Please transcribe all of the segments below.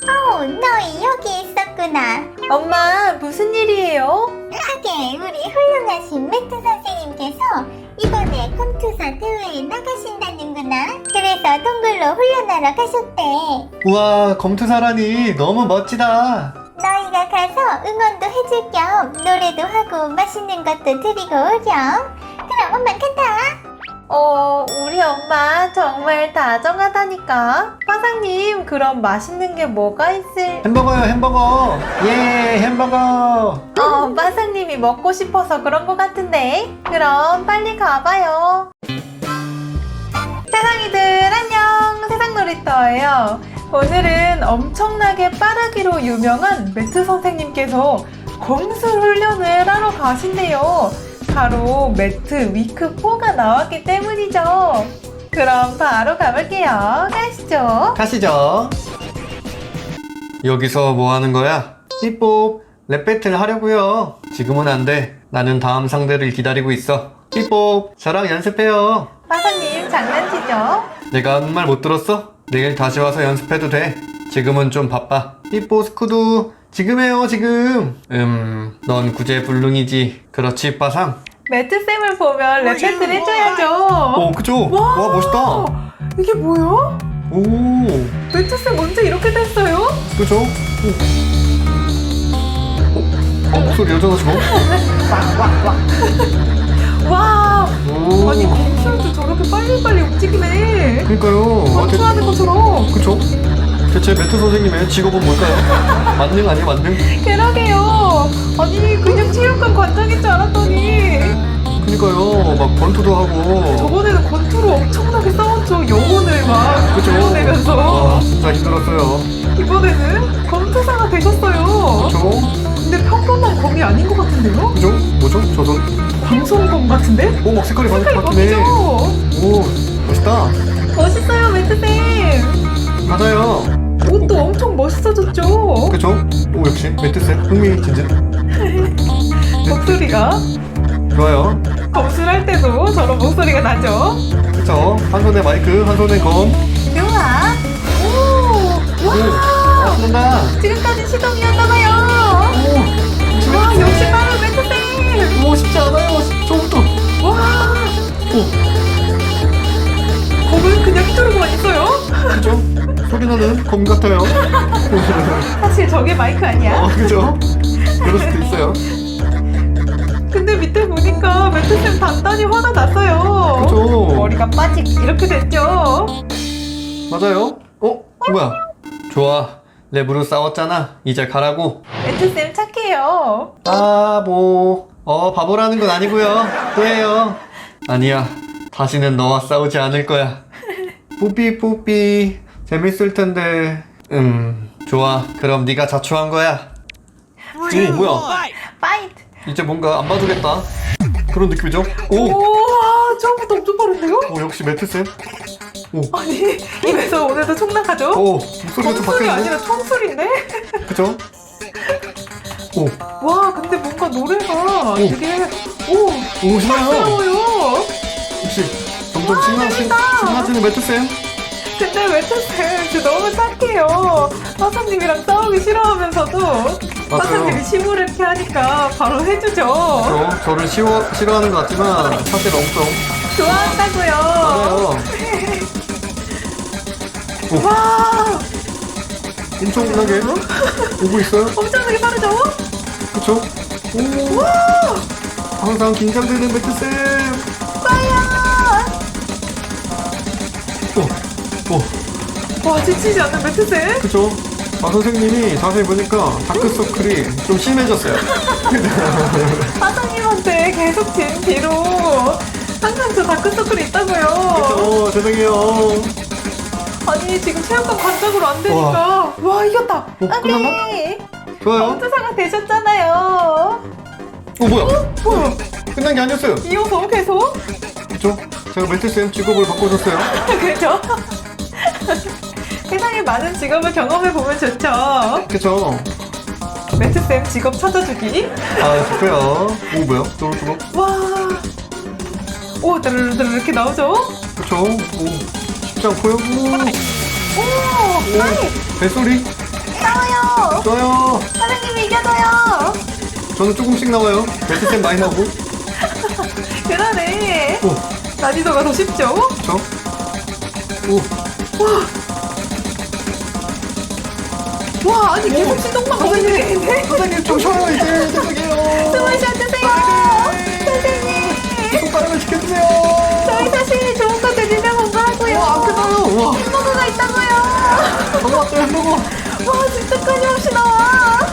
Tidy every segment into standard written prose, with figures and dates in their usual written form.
너희 여기 있었구나. 엄마, 무슨 일이에요? 하게 우리 훌륭하신 매트 선생님께서 이번에 컴투사 대회에 나가신다는구나. 그래서 동굴로 훈련하러 가셨대. 우와, 검투사라니 너무 멋지다. 너희가 가서 응원도 해줄 겸 노래도 하고 맛있는 것도 드리고 오렴. 그럼 엄마 간다. 우리 엄마 정말 다정하다니까. 화상님, 그럼 맛있는 게 뭐가 있을? 햄버거요, 햄버거. 예, 햄버거. 화상님이 먹고 싶어서 그런 것 같은데. 그럼 빨리 가봐요. 세상이들 안녕, 세상놀이터예요. 오늘은 엄청나게 빠르기로 유명한 매트 선생님께서 검술 훈련을 하러 가신대요. 바로 매트 위크 4가 나왔기 때문이죠. 그럼 바로 가볼게요. 가시죠. 가시죠. 여기서 뭐 하는 거야? 삐뽀, 랩 배틀 하려고요. 지금은 안 돼. 나는 다음 상대를 기다리고 있어. 삐뽀, 저랑 연습해요. 화상님 장난치죠? 내가 하는 말 못 들었어? 내일 다시 와서 연습해도 돼. 지금은 좀 바빠. 삐뽀 스쿠두, 지금 해요, 지금. 넌 구제불능이지. 그렇지, 빠상? 매트쌤을 보면 랩 배틀 해줘야죠. 그죠? 와, 멋있다. 이게 뭐야? 오, 매트쌤 언제 이렇게 됐어요? 그죠? 목소리 여전하 지금? 와, 오, 아니 검술도 저렇게 빨리빨리 움직이네. 그러니까요. 검술하는 것처럼. 그쵸? 대체 매트 선생님의 직업은 뭘까요? 만능 아니에요, 만능? 그러게요. 아니 그냥 체육관 관장인 줄 알았더니 그니까요, 막 권투도 하고. 저번에는 권투로 엄청나게 싸웠죠. 영혼을 막 그쵸? 불러내면서. 와, 진짜 힘들었어요. 이번에는 검투사가 되셨어요. 그쵸? 근데 평범한 검이 아닌 것 같은데요? 그죠? 뭐죠? 저도. 방송검 같은데? 막 색깔이 색깔이 바뀌네. 바뀌죠? 오, 멋있다. 멋있어요 매트쌤. 맞아요. 옷도 엄청 멋있어졌죠? 그쵸? 오, 역시 매트쌤 흥미진진. 목소리가 좋아요. 검술할 때도 저런 목소리가 나죠? 그쵸? 한 손에 마이크, 한 손에 검. 좋아. 오, 와, 신난다. 지금까지 시동이었나봐요. 오, 와, 역시 빠른 매트쌤. 오, 쉽지 않아요. 처음부터. 와, 오, 검은 그냥 휘두르고만 있어요. 그죠? 소리 나는 검 같아요. 사실 저게 마이크 아니야? 그죠? 그럴 수도 있어요. 근데 밑에 보니까 매트쌤 단단히 화가 났어요. 그죠? 머리가 빠직 이렇게 됐죠? 맞아요. 뭐야? 좋아. 랩으로 싸웠잖아. 이제 가라고. 매트쌤 착해요. 바보. 바보라는 건 아니고요. 또 해요. 아니야. 다시는 너와 싸우지 않을 거야. 뿌삐 뿌삐. 재밌을 텐데. 좋아. 그럼 네가 자초한 거야. 오, 뭐야? 파이트. 이제 뭔가 안 봐주겠다. 그런 느낌이죠? 오, 우와, 처음부터 엄청 빠른데요? 역시 매트쌤. 오, 아니, 입에서 오늘도 총나가죠? 목소리가 좀 검술이 바뀌었네. 아니라 총술인데? 그죠? 오, 와, 근데 뭔가 노래가 되게 오, 신나요. 낯설어요. 역시 점점 재밌다. 신나지는 매트쌤. 근데 매트쌤 진짜 너무 착해요. 화사님이랑 싸우기 싫어하면서도 화사님이 시무를 이렇게 하니까 바로 해주죠. 저를 싫어하는 것 같지만 사실 엄청 좋아한다고요. 맞아요. 와, 엄청나게 오고 있어요. 엄청나게 빠르죠? 그쵸? 오, 항상 긴장되는 매트쌤. 빠야. 오, 와, 지치지 않는 매트쌤? 그쵸? 선생님이 자세히 보니까 다크서클이 좀 심해졌어요. 화사님한테 계속 진 뒤로 항상 저 다크서클이 있다고요. 그쵸? 죄송해요. 아니 지금 체육관 관장으로 안 되니까 와 이겼다. 끝났나? 네. 좋아요. 검투사가 되셨잖아요. 뭐야? 뭐야? 끝난 게 아니었어요. 이어서 계속? 그쵸? 제가 매트쌤 직업을 바꿔줬어요. 그죠? 세상에 많은 직업을 경험해보면 좋죠. 그쵸? 매트쌤 직업 찾아주기. 좋고요. 오, 뭐야? 저거. 와. 오, 드르르르 이렇게 나오죠? 그쵸? 오, 쉽지 않고요. 오, 나이. 뱃소리. 싸워요. 좋아요. 사장님이 이겨줘요. 저는 조금씩 나와요. 매트쌤 많이 나오고. 그러네. 오, 난이도가 더 쉽죠? 저. 오, 와, 아니 계속 시동만 걸리는 게 있네. 선생님 좀 쉬어요 이제. 죄송해요. 숨을 쉬어주세요. 선생님. 손가락을 지켜주세요. 저희 사실 좋은 거 드리려고 온 거라고요. 와, 안 끝나요. 와, 햄버거가 있다고요. 너무 왔어요 햄버거. 와, 진짜 끊임없이 나와.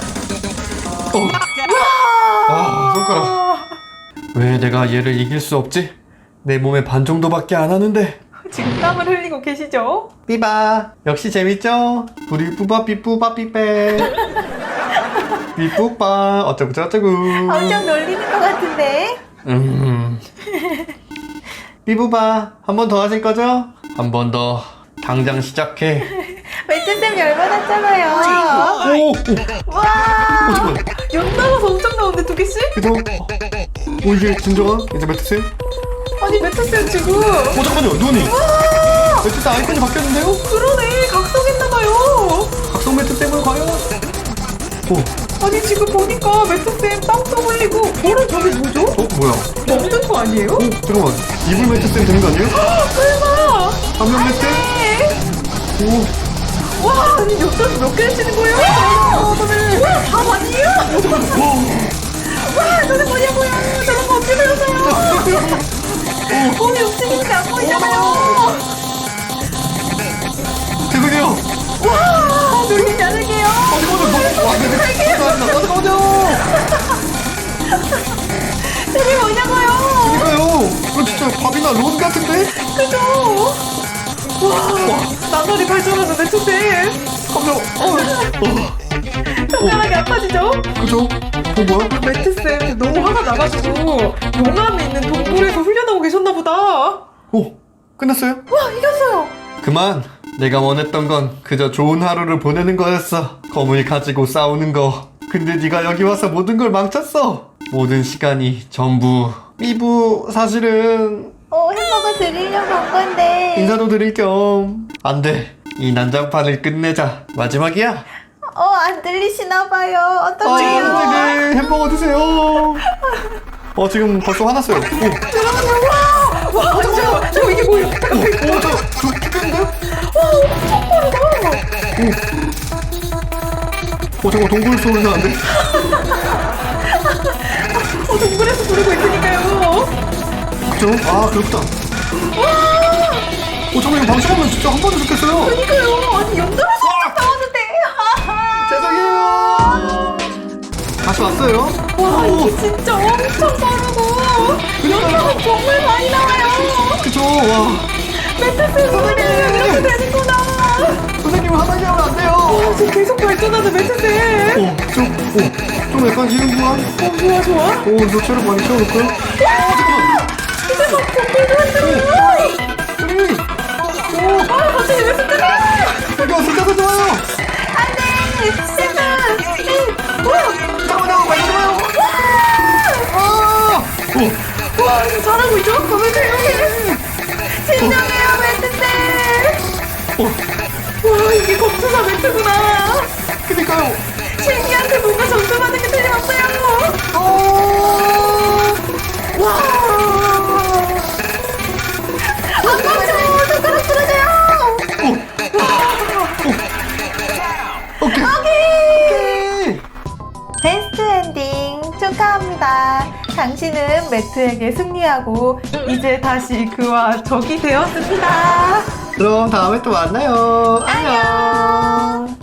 아, 손가락. 왜 내가 얘를 이길 수 없지? 내 몸의 반 정도밖에 안 하는데. 지금 땀을 흘리고 계시죠? 삐바. 역시 재밌죠? 우리 뿌바 삐뿌바 삐빼. 삐뿌빠 어쩌고 저쩌고. 엄청 놀리는 것 같은데. 삐부바 한 번 더 하실 거죠? 한 번 더. 당장 시작해. 매트쌤 열받았잖아요. 오, 오, 와. 잠깐만. 연 나와서 엄청 나오는데 두 개씩? 그죠? 오, 이게 진정한 이제 매트쌤? 아니 매트쌤 지금 잠깐만요, 눈이. 매트쌤 아이콘이 바뀌었는데요? 그러네 각성했나봐요. 각성 매트쌤은 과연? 오, 아니 지금 보니까 매트쌤 땀도 흘리고 뭐래 저게 뭐죠? 뭐야? 먹는 거 아니에요? 오, 잠깐만. 이불 매트쌤 되는 거 아니에요? 설마. 안면 매트? 오, 와 아니 몇 개를 치는 거예요? 선생님. 와, 밥 아니에요? 와, 저게 뭐냐고요? 저런 거 어떻게 배웠어요? 몸이 움직이니까 안 보이잖아요. 죄송해요. 와, 놀리지 않을게요. 잠깐만요. 저게 뭐냐고요? 이거요. 이거 진짜 밥이나 론 같은데? 그죠? 와, 나날이 발전하는 매트쌤. 깜짝. 손가락이 아파지죠? 그죠? 뭐야? 매트쌤 너무 화가 나가지고 용암에 있는 동굴에서 흘려나오고 계셨나 보다. 오, 끝났어요? 와, 이겼어요. 그만. 내가 원했던 건 그저 좋은 하루를 보내는 거였어. 검을 가지고 싸우는 거. 근데 네가 여기 와서 모든 걸 망쳤어. 모든 시간이 전부. 삐부 사실은 햄버거 드리려고 온 건데. 인사도 드릴 겸. 안 돼. 이 난장판을 끝내자. 마지막이야. 안 들리시나 봐요. 어떡해요? 선생님 햄버거 드세요. 지금 벌써 화났어요. 오, 와, 잠깐만. 저 이게 뭐예요? 저 죽겠는데요? 잠깐 동굴 소리 나는데. 동굴에서 부르고 있으니까요. 그죠? 아, 그렇구나. 잠깐 이거 방심하면 진짜 한 번도 죽겠어요. 그러니까요. 아니 연달아서 나왔는데. 죄송해요. 다시 왔어요. 와, 이게 진짜 엄청 빠르고 여기서 정말 많이 나와요. 그죠? 와. 매트쌤 소리 이렇게 되는구나. 선생님 화나게 하면 안 돼요. 지금 계속 발전하는 매트쌤. 좀 약간 지는구만. 좋아 좋아. 저 체력 많이 채워놓고요. 잠깐만. 이제 막 동굴도 왔어요. 선생님. 갑자기 왜 쓰더라? 이거 진짜 좋아요. 안돼. 잠깐만요. 빨리 들어요. 와, 이거 잘하고 있죠? 매트쌤. 진정해요, 매트쌤. 와, 이게 검투사 매트구나. 그니까요. 신기한데 뭔가 점수받은 게 틀림없어요. 와. 아까워. 손가락 부러져요. 오케이. 베스트 엔딩 축하합니다. 당신은 매트에게 승리하고 이제 다시 그와 적이 되었습니다. 그럼 다음에 또 만나요. 안녕.